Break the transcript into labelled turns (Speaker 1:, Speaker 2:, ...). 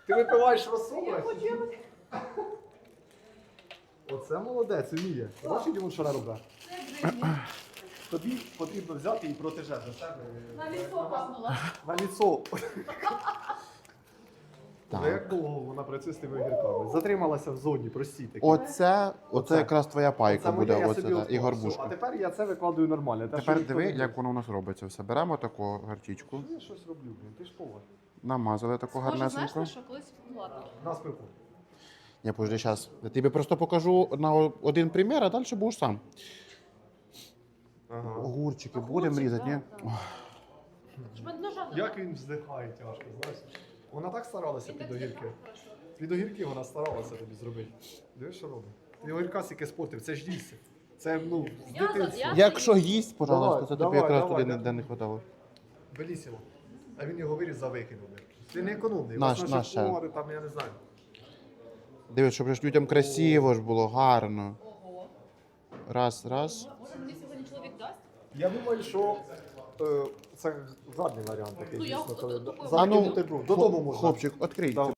Speaker 1: Ти випиваєш розсол?
Speaker 2: Я хочу.
Speaker 1: Оце молодець, вміє. Бачиш, йому що робить? Тобі потрібно взяти і протеже за себе.
Speaker 2: На лісо капнула.
Speaker 1: На ліцо.
Speaker 3: Так.
Speaker 1: Ну, як довго вона працює з тими огірками? Затрималася в зоні, прості такі.
Speaker 3: Оце якраз твоя пайка буде,
Speaker 1: моє, я
Speaker 3: оце,
Speaker 1: собі
Speaker 3: та,
Speaker 1: відклав.
Speaker 3: і
Speaker 1: Все.
Speaker 3: горбушка.
Speaker 1: А тепер я це викладую нормально. Те, що
Speaker 3: Тепер
Speaker 1: ніхто
Speaker 3: диви,
Speaker 1: не
Speaker 3: як
Speaker 1: бачить.
Speaker 3: воно у нас робиться все. Беремо таку гарчичку,
Speaker 1: Я щось роблю, блін, ти ж повар.
Speaker 3: намазали таку
Speaker 2: Може, знаєш,
Speaker 3: гарнесеньку.
Speaker 2: на що колись ладно.
Speaker 1: На спеку.
Speaker 3: Я подожди, зараз. Я тобі просто покажу на один примір, а далі будеш сам.
Speaker 1: Ага.
Speaker 3: Огурчики будемо різати, ні?
Speaker 2: Ж мене ножа нема.
Speaker 1: Як він вздихає тяжко, знаєш? Вона так старалася під огірки. Під огірки вона старалася тобі зробити. Дивись, що робить. Ти огірка стільки спортив, це ж дійсно. Це, ну, з
Speaker 2: Я за-
Speaker 1: дитинства.
Speaker 2: я-
Speaker 3: Якщо їсть, пожалуйста,
Speaker 1: Давай,
Speaker 3: це тобі
Speaker 1: давай,
Speaker 3: якраз
Speaker 1: давай,
Speaker 3: туди
Speaker 1: давай.
Speaker 3: не хватало.
Speaker 1: Белісімо. А він його вирізав, викинув. Ти не економний.
Speaker 3: Наш,
Speaker 1: Вас
Speaker 3: наш ще.
Speaker 1: повари, там, я не знаю.
Speaker 3: Дивись, щоб ж людям красиво ж було, гарно.
Speaker 2: Ого.
Speaker 3: Раз, раз.
Speaker 2: Може, мені сьогодні чоловік дасть?
Speaker 1: Я думаю, що це гарний варіант такий,
Speaker 2: Ну, я
Speaker 1: дійсно.
Speaker 2: от-
Speaker 1: коли
Speaker 2: от такою
Speaker 1: закинути
Speaker 3: А ну,
Speaker 1: бруд. Додому можна.
Speaker 3: Хлопчик, відкрий.
Speaker 1: Да.